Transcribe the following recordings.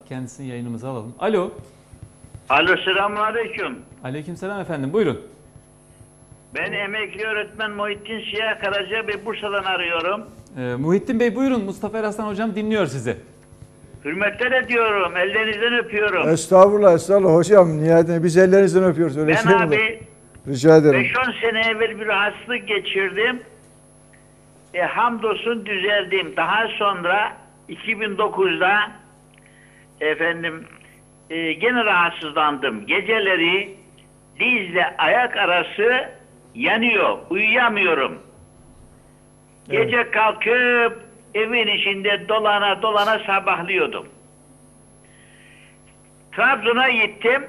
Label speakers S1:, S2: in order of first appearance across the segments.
S1: Kendisini yayınımıza alalım. Alo.
S2: Alo, selamünaleyküm.
S1: Aleykümselam efendim. Buyurun.
S2: Ben emekli öğretmen Muhittin Siyah Karaca ve Bursa'dan arıyorum.
S1: Muhittin Bey buyurun. Mustafa Eraslan hocam dinliyor sizi.
S2: Hürmetler ediyorum. Ellerinizden öpüyorum.
S3: Estağfurullah, estağfurullah hocam. Nihayetinde biz ellerinizden öpüyoruz. Öyle
S2: Ben
S3: şey mi olur?
S2: abi
S3: Rica ederim.
S2: 5-10 sene evvel bir hastalık geçirdim. Hamdolsun düzeldim. Daha sonra 2009'da gene rahatsızlandım. Geceleri dizle ayak arası yanıyor. Uyuyamıyorum. Gece kalkıp evin içinde dolana dolana sabahlıyordum. Trabzon'a gittim.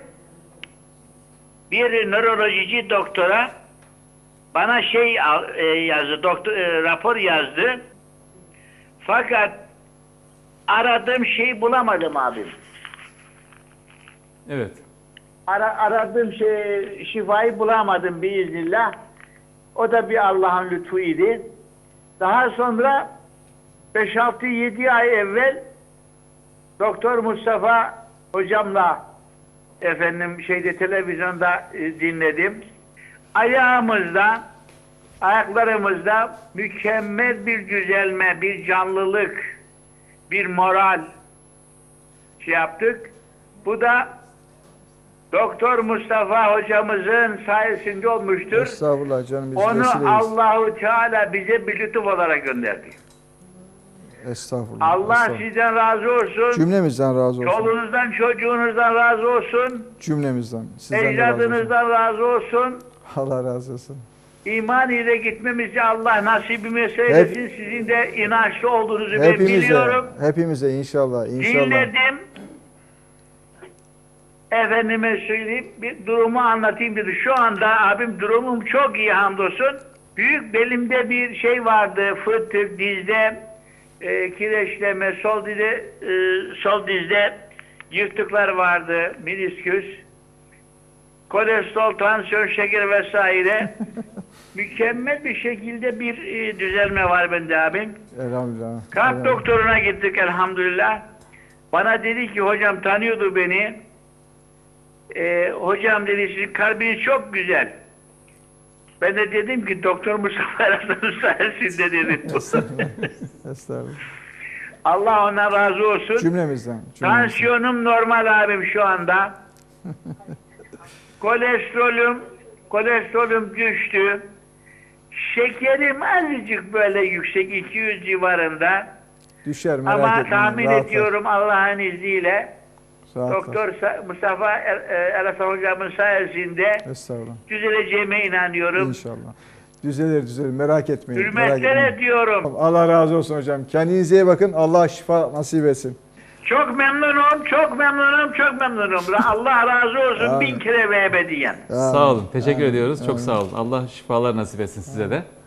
S2: Bir nörolojici doktora bana yazdı, rapor yazdı. Fakat aradığım şeyi bulamadım abim.
S1: Evet.
S2: Aradığım şifayı bulamadım biiznillah. O da bir Allah'ın lütfuydu. Daha sonra 5-6-7 ay evvel Doktor Mustafa hocamla televizyonda dinledim. Ayaklarımızda mükemmel bir düzelme, bir canlılık, bir moral yaptık. Bu da Doktor Mustafa hocamızın sayesinde olmuştur.
S3: Estağfurullah canım. Biz
S2: Onu
S3: vesileyiz.
S2: Allahu Teala bize bir lütuf olarak gönderdi.
S3: Estağfurullah.
S2: Allah
S3: estağfurullah.
S2: sizden razı olsun.
S3: Cümlemizden razı olsun.
S2: Çoluğunuzdan, çocuğunuzdan razı olsun.
S3: Cümlemizden. Sizden de razı olsun.
S2: Ecdadınızdan razı olsun.
S3: Allah razı olsun.
S2: İman ile gitmemizi Allah nasibimize eylesin. Sizin de inançlı olduğunuzu ben biliyorum.
S3: Hepimize inşallah.
S2: Dinledim. Efendime söyleyeyim, bir durumu anlatayım dedi. Şu anda abim durumum çok iyi hamdolsun. Büyük belimde bir şey vardı, fıtık, dizde kireçleme, sol dizde yırtıklar vardı, menisküs, kolesterol, tansiyon, şeker vesaire. Mükemmel bir şekilde bir düzelme var bende abim.
S3: Elhamdülillah.
S2: Kalp doktoruna gittik elhamdülillah. Bana dedi ki hocam tanıyordu beni. Hocam dedi sizin kalbiniz çok güzel. Ben de dedim ki Doktor Mustafa Eraslan'ın sayesinde dedim.
S3: Estağfurullah.
S2: Allah ona razı olsun.
S3: Cümlemizden.
S2: Tansiyonum normal abim şu anda. Kolesterolüm düştü. Şekerim azıcık böyle yüksek, 200 civarında.
S3: Düşer, merak
S2: Ama
S3: etmeyin.
S2: tahmin
S3: Rahat ol.
S2: ediyorum Allah'ın izniyle.
S3: Rahat ol.
S2: Doktor Mustafa Eraslan hocamın sayesinde
S3: Estağfurullah.
S2: düzeleceğime inanıyorum.
S3: İnşallah. Düzelir. Merak etmeyin.
S2: Hürmetler ediyorum.
S3: Allah razı olsun hocam. Kendinize iyi bakın. Allah şifa nasip etsin.
S2: Çok memnunum. Allah razı olsun.
S3: Amin.
S2: 1000 kere ve ebediyen.
S1: Sağ olun. Teşekkür ediyoruz. Çok sağ olun. Allah şifalar nasip etsin size de.